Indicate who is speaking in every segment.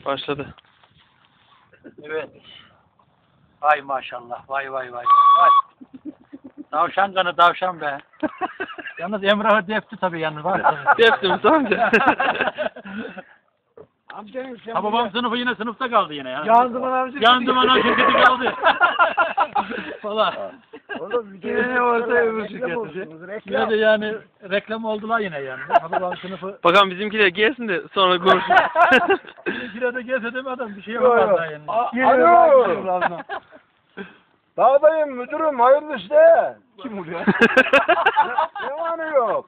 Speaker 1: Başladı.
Speaker 2: Evet. Vay maşallah. Vay vay vay. Vay. Tavşan kanı tavşan be. Yalnız Emrah'ı defti tabii yalnız. Var.
Speaker 1: Defti mi amca?
Speaker 3: Amcanın sen
Speaker 2: Ha babam sınıfı yine sınıfta kaldı yine ya.
Speaker 3: yandım amca.
Speaker 2: Yandım anam şirketi kaldı. Valla.
Speaker 3: Oğlum
Speaker 2: Yine orta öbür şirketi. Yine de yani reklam oldular yine yani. Ha babam sınıfı.
Speaker 1: Bakalım bizimkiler gelsin de sonra konuşuruz.
Speaker 2: Yine de gelse değil mi adam bir şey yapamaz daha yani.
Speaker 3: Alo. Dağdayım müdürüm hayırlı işte. Kim oluyor? Ne var yok.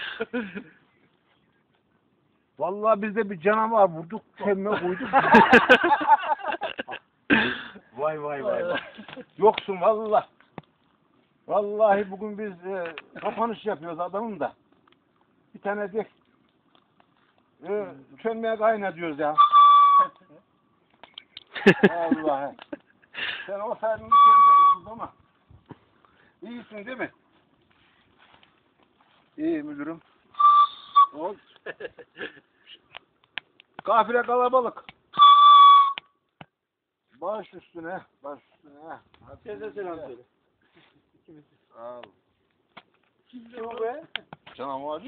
Speaker 3: Vallahi biz de bir canavar vurduk, kemme koyduk. Vay vay vay vay. Yoksun vallahi. Vallahi bugün biz kapanış yapıyoruz adamın da. Bir tane de çönmeye kayna diyoruz ya. Vallahi. Sen o saydın bir ama. İyisin değil mi? İyi müdürüm. Ol. Kafile kalabalık. Baş üstüne, baş üstüne. Hadi selam söyle. Al. Kim o be? Canım var.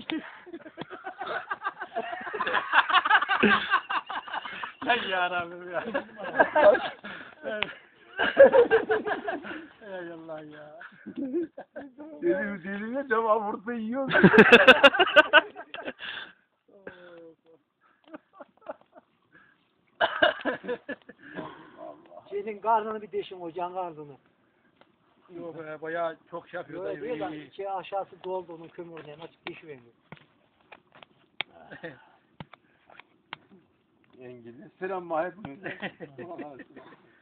Speaker 2: Lan yarabbim ya. Ey Allah ya.
Speaker 3: Dedim cevap burada yiyor.
Speaker 4: Senin karnını bir deşin ocağın karnını.
Speaker 2: Yok be bayağı çok şey yapıyor.
Speaker 4: Böyle diyor da
Speaker 2: İyi.
Speaker 4: içi aşağısı doldu onun kömürden açık deşi veriyor.
Speaker 3: Yengili. Selam mahep.